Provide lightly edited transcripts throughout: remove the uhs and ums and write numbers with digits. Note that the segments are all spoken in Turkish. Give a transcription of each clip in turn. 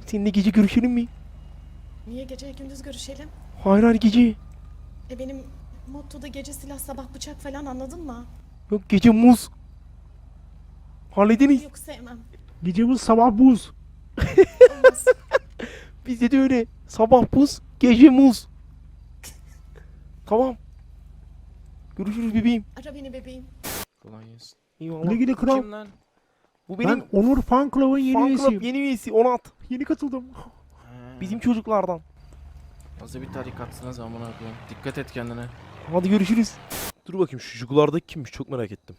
Seninle gece görüşelim mi? Niye gece gündüz görüşelim? Hayır gece. Benim mottoda gece silah sabah bıçak falan, anladın mı? Yok gece muz. Hallediniz. Yok, sevmem. Gece buz sabah buz. Olmaz. Bizde de öyle. Sabah buz, gece muz. Tamam. Görüşürüz bebeğim. Ara beni bebeğim. Kolay gelsin. Eyvallah. Güle güle kral. Kim lan? Bu Ben benim Onur Fan Club'ın yeni fan club üyesiyim. yeni üyesi Onat. Yeni katıldım. Bizim çocuklardan. Nasıl bir tarikatsınız amına koyayım. Dikkat et kendine. Hadi görüşürüz. Dur bakayım şu çocuklardaki kimmiş, çok merak ettim.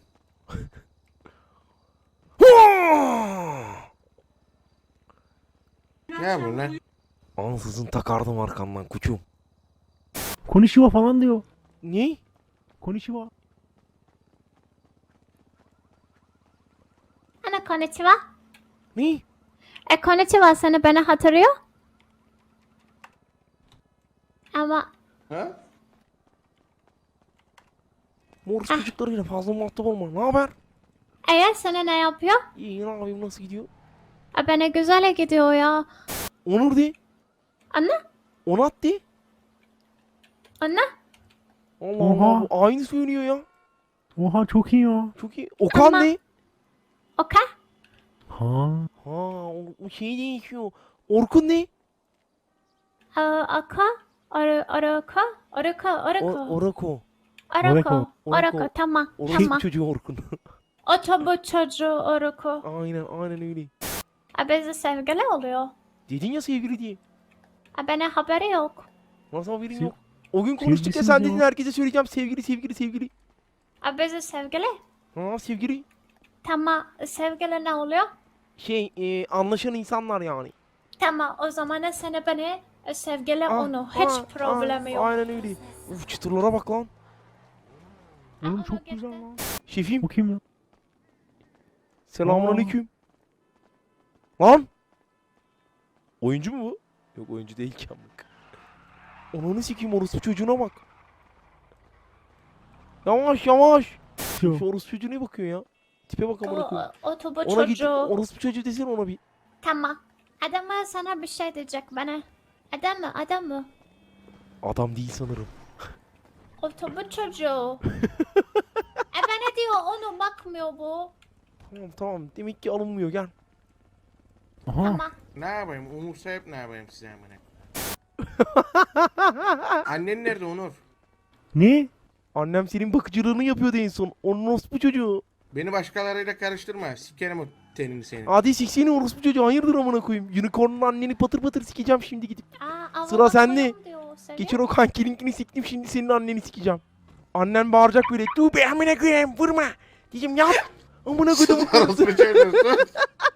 Ne yapıyorsun lan? Ansızın takardım arkandan kuçum. Konnichiwa falan diyor. Ne? Konnichiwa. こんにちは。 Ne? こんにちはseni beni hatırlıyor. Ama Ha? Morris çocuklarıyla fazla muhatap olma. Ne haber? sana ne yapıyor? İyi, ne yapayım, nasıl gidiyor? Bana güzel gidiyor ya. Onur de. Anne? Onat de. Anne? Allah Oha. Allah, bu aynı söylüyor ya. Oha çok iyi ya. Çok iyi. Okan Ama- de. Okay. Ha. Ha, o şey değişiyor. Orkun de. Aka? Orako? Orako. Orako. Orako. Tamam. Orası Tamam. çocuğu Orkun. Otobüs çocuğu Orako. aynen öyle. Bizi sevgili oluyor. Dedin ya sevgili diye. Bana haberi yok. Nasıl haberin Sev- yok? O gün konuştuk ya, sevgilisiniz sen ya. dedin herkese söyleyeceğim sevgili. Bizi sevgili. Ha, sevgili. Tamam. Sevgili ne oluyor? Anlaşan insanlar yani. Tamam. O zaman seni beni sevgili onu. Hiç problemi yok. Aynen öyle. Uf, çıtırlara bak lan. Oğlum Ona çok gitti. güzel lan. Şefim, Bu kim ya? selamünaleyküm. Lan. Oyuncu mu bu? Yok, oyuncu değil ki amık. Onunu sikeyim, orospu çocuğuna bak. Yavaş. Yo. Şu orospu çocuğuna bakıyor ya. Tipe bak amına koyayım. Otobüs Ona git, çocuğu. orospu çocuğu desene ona bir. Tamam. Adam sana bir şey diyecek bana. Adam mı? Adam değil sanırım. Otobüs çocuğu. Bana diyor onu bakmıyor bu. Tamam. Demek ki alınmıyor, gel. Aha. Tamam. Ne yapayım? Umursayıp ne yapayım size amına? Annen nerede Onur? Ne? Annem senin bakıcılığını yapıyordu en son. Onun orospu çocuğu. Beni başkalarıyla karıştırma. Sikerim o tenini senin. Hadi sikseni orospu çocuğu. Hayırdır amına koyayım. Unicorn'un anneni patır patır sikeceğim şimdi gidip. Aa, Sıra avama sende. koyun diyor seni. Geçen o kankilinkini siktim, şimdi senin anneni sikeceğim. Annen bağıracak böyle. Dur be amına koyayım, vurma. Diyeceğim yap. Amına koydum. Orospu çocuğu, sus.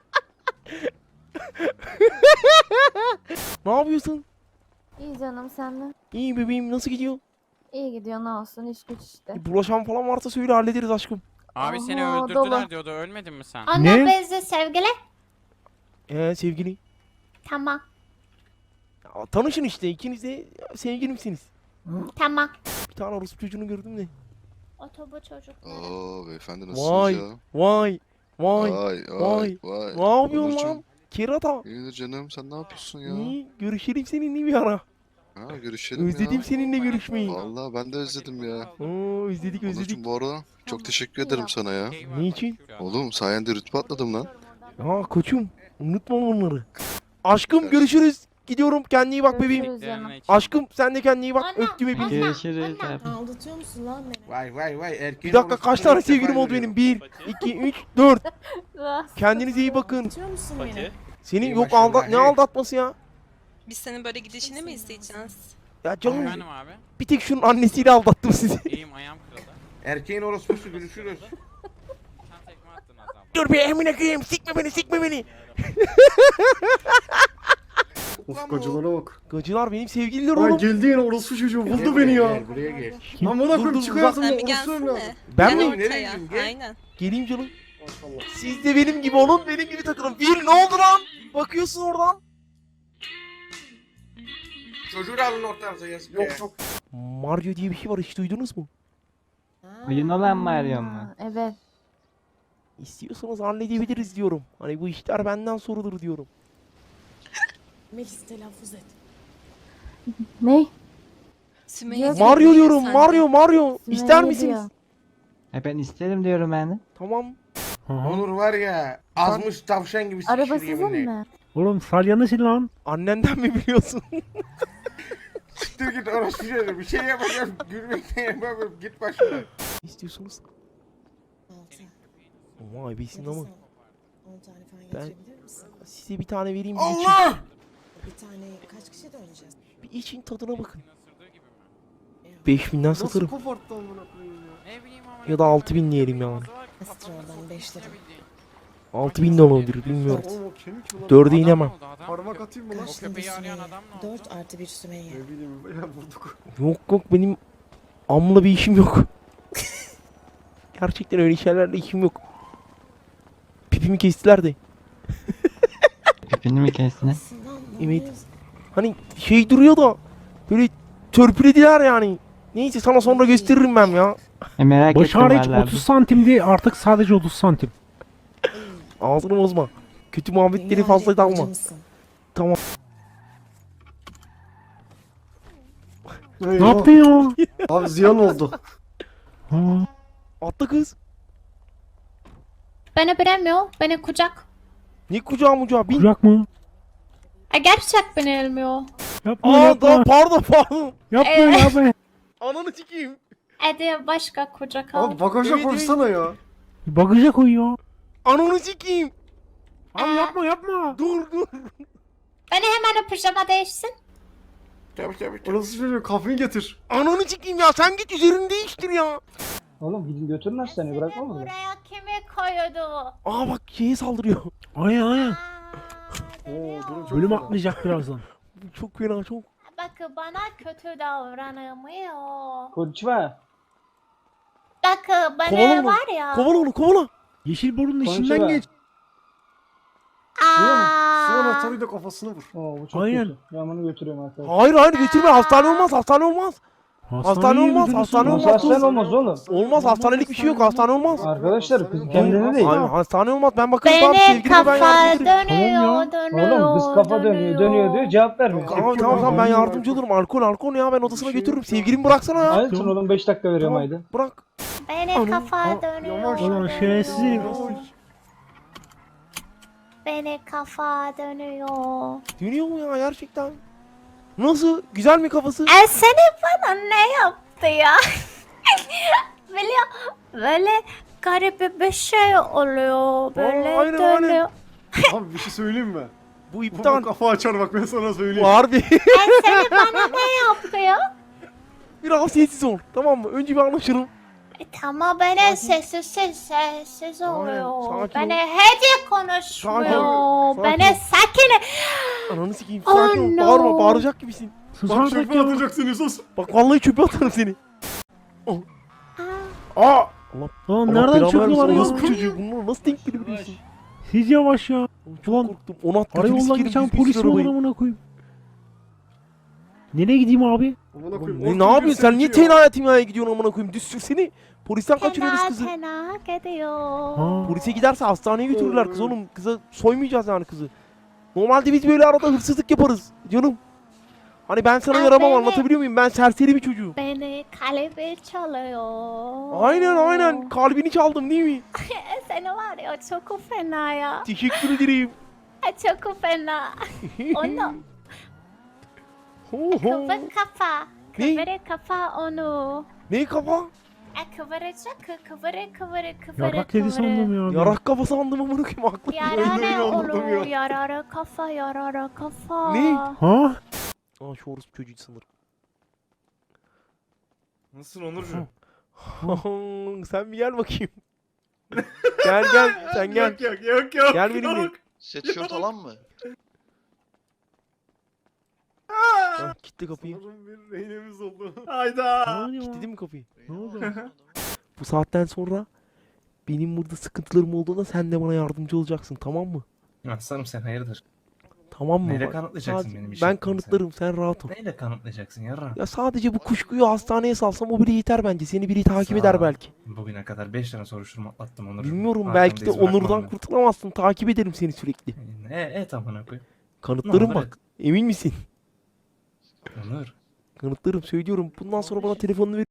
Ne yapıyorsun? İyi canım senden. İyi bebeğim, nasıl gidiyor? İyi gidiyor ne olsun iş güç işte. Bulaşan falan varsa söyle, hallederiz aşkım. Abi seni Aha, öldürdüler dolu. diyordu. Ölmedin mi sen? Ana Ne? bizi sevgili. Sevgili. Tamam. Ya, tanışın işte, ikiniz de sevgilimsiniz. Tamam. Bir tane orospu çocuğunu gördüm de. Otobüs çocukları. Oo beyefendi nasılsınız Vay. ya? Vay. Vay Vay. vay. Ne yapıyorsun Onurcuğum, lan? Kerata. İyidir canım sen ne yapıyorsun ya? İyi. Görüşelim seninle bir ara. Ha görüşelim Özledim ya. seninle görüşmeyi. Vallahi ben de özledim ya. Oo, özledik. Onurcuğum bu arada çok teşekkür ederim sana ya. Niçin? Oğlum sayende rütbe atladım lan. Ya koçum, unutma bunları. Aşkım görüşürüz. Gidiyorum, kendine iyi bak bebeğim. Görüşürüz canım. Aşkım sen de kendine iyi bak. Anne, Öptüm hepinizi. anne, Görüşürüz anne. abi. Aldatıyor musun lan beni? Vay erkeğin Bir dakika, orospu kaç çocuğu tane ilk defa sevgilim oldu benim? görüyorum. 1, 2, 3, 4. Rahatsız. Kendinize iyi bakın. Aldatıyor musun beni? Senin İyi yok maşallah, ne hey. aldatması ya? Biz senin böyle gidişini mi izleyeceğiz? Ya canım, Efendim abi. bir tek şunun annesiyle aldattım sizi. İyiyim ayağım kırıldı. Erkeğin orospusu görüşürüz. Sen tekme attın az abi. Dur be emine koyayım, sikme beni. Of gacılara bak. Gacılar benim sevgililer Ay oğlum. geldi yine orospu çocuğu Gel buldu buraya, beni ya. Gel buraya gel. Amına Dur, koyayım dur, çık uzak. hayatımdan Sen bir orospu evladım. gelsene. Ben Gel mi? Nereye ortaya. gidiyorsun? Gel. Aynen. Geleyim canım. Siz de benim gibi olun, benim gibi takılın. Bir, ne oldu lan? Bakıyorsun oradan. Çocuğu da alın ortanıza yazık ya. Mario diye bir şey var, hiç duydunuz mu? Oyun olan Mario mu? Ha, evet. İstiyorsanız halledebiliriz diyorum. Hani bu işler benden sorulur diyorum. Melis telaffuz et. Ne? Sümeyye Yok. seni Mario duyuyor diyorum. sende. Mario. Sümeyye İster misiniz? diyor. Ben isterim diyorum ben de. Tamam. Aha. Onur var ya azmış tavşan gibi Araba sıkışır sizin yeminle. mi? Oğlum salya nasıl lan? Annenden mi biliyorsun? Siktir git orası çocuğu. Bir şey yapacağım. Gülmekten yapamıyorum. Git başımdan. Ne istiyorsunuz? 6. Ama abisin ama. 10 tane falan Ben- getirebilir misin? Size bir tane vereyim. Bir için, Allah! Bir tane kaç kişi döneceğiz? bir için tadına bakın. Isırdığı gibi mi? 5000'den satarım. koparttı amına koyayım ya? Ne bileyim ama. Ya da 6000 diyelim yani. Astral'dan 5 lira. 6000 de olabilir bilmiyorum. Oğlum o kemik mi lan? 4'e inemem. Parmak atayım mı lan? O köpeği arayan adam ne oldu? 4 artı 1 Sümeyye. Ne bileyim ya vurduk. Yok benim amla bir işim yok. Gerçekten öyle şeylerle işim yok. Pipimi kestiler de. Pipini mi kestin? Aslında Evet. anlamıyoruz. Hani şey duruyor da böyle törpülediler yani. Neyse sana sonra gösteririm ben ya. Merak Baş ettim hariç vallahi. 30 santimdi artık sadece 30 santim. Ağzını bozma. Kötü muhabbetleri Dünya fazla rekorcu dalma. mısın? Ne yaptın ya? Abi ziyan oldu. Ha. Atla kız. Beni bilemiyor. Beni kucak. Ne kucağı mucağı bin. Kucak mı? Gerçek beni elmiyor. Yapma Aa yapma. da pardon. Yapma yapma. Ananı sikeyim. Hadi başka kucak al. Abi bagaja Evet, koysana ya. Bagaja koy ya. Ananı sikeyim. Abi yapma yapma. Dur. Beni hemen pijama değişsin. Tabii. Orası çocuğu kahveyi getir. Ananı sikeyim ya sen git üzerini değiştir ya. Oğlum gidin götürün hastaneye bırakma mı? Buraya kimi koydu? Aa bak şeye saldırıyor. Aynen. Oo durun çok Bölüm fena. atlayacak birazdan. Çok fena çok. Bak bana kötü davranamıyor. Konnichiwa. Bak Kovala bana onu. var ya. Kovala onu kovala. Yeşil borunun Konnichiwa. içinden geç. Şu Aa, anahtarıyla kafasına vur. Oo bu çok Aynen. kötü. Ben bunu götürüyorum arkadaşlar. Hayır götürme hastane olmaz. Hastane olmaz, götürürsün. hastane Nasıl olmaz. hastane olmaz oğlum? Olmaz hastanelik bir şey yok hastane olmaz. Arkadaşlar kız kendine değil. Aynen hastane olmaz ben bakarım tamam beni sevgilime ben kafa yardımcı olurum. dönüyor, dönüyor. Oğlum kız kafa dönüyor diyor cevap vermiyor. Tamam ben yardımcı olurum alkol ya ben odasına götürürüm sevgilimi bıraksana ya. Hayır sen oğlum 5 dakika veriyorum Tamam haydi. bırak. Beni kafa dönüyor. yavaş. Ulan şerefsiz. Beni kafa dönüyor. Dönüyor mu ya gerçekten? Nasıl? Güzel mi kafası? Seni bana ne yaptı ya? böyle garip bir şey oluyor. Böyle aynen. dönüyor. Abi bir şey söyleyeyim mi? Bu Bu iptal. kafa açar bak ben sana söyleyeyim. Bu harbi. Seni bana ne yaptı ya? Biraz sessiz ol tamam mı? Önce bir anlaşalım. Tamam beni sessiz oluyor. sakin Beni ol. hiç konuşmuyor. Sakin ol. Beni sakin. Ananı sikeyim Oh sakin ol. no. Bağırma bağıracak gibisin. Sus Bak artık çöpe ya. atacaksın sus. Bak vallahi çöpe atarım seni. Aa. Lan Allah nereden belanı çıkıyorlar vermesin, ya? orospu çocuğu bunları nasıl denk gelebiliyorsun? Siz yavaş ya. Çok Ulan, korktum. Ona at Ara götünü yoldan sikerim, geçen düzgün polis sür mi olur arabayı. amına koyayım? Nereye gideyim abi? Amına Oğlum, koyayım, ne orta yapıyorsun sen bir niye sürtüyor. tenaya timaya gidiyorsun amına koyayım düz sürseni. Polisten kaçırıyoruz kızı. Tena gidiyor. Ha. Polise giderse hastaneye götürürler kız oğlum. Kıza soymayacağız yani kızı. Normalde biz böyle arada hırsızlık yaparız canım. Hani ben sana Aa, yaramam beni- anlatabiliyor muyum? Ben serseri bir çocuğum. Beni kalbi çalıyor. Aynen kalbini çaldım değil mi? Seni var ya çok fena ya. Teşekkür ederim. Çok fena. Onu kıvır kafa. Ne? Kıvır kafa onu. Ne kafa? Kıvıracak kıvır. Yarrak dedi sandım ya. Yarak kafa sandım amına koyayım aklım. Yarara anladım onu. ya. Yarara kafa. Ne? Ha? Aa şu orospu çocuğu sanırım. Nasılsın Onurcuğum? Sen bir gel bakayım. gel sen gel. Yok. Gel benimle. Sweatshirt alan mı? Ha, kilitli kapıyı. Sanırım bir rehinemiz oldu. Hayda. Ne oluyor? Kilitledin mi kapıyı? Ne oldu? Bu saatten sonra benim burada sıkıntılarım olduğunda sen de bana yardımcı olacaksın tamam mı? Aslanım sen hayırdır? Tamam mı? Neyle Bak, kanıtlayacaksın sadece- benim iş Ben yaptığımı kanıtlarım sen rahat ol. Neyle kanıtlayacaksın yarra? Ya sadece bu kuşkuyu hastaneye salsam o bile yeter bence. Seni biri takip Sağ eder ol. belki. Bugüne kadar 5 tane soruşturma atlattım Onurcuğum. Bilmiyorum Arkamda belki de iz bırakmam Onur'dan ben. kurtulamazsın. Takip ederim seni sürekli. Evet amına koyayım. Kanıtlarım Ne olur bak. Emin misin? Onur. Kanıtlarım söylüyorum. Bundan sonra bana telefonunu ver.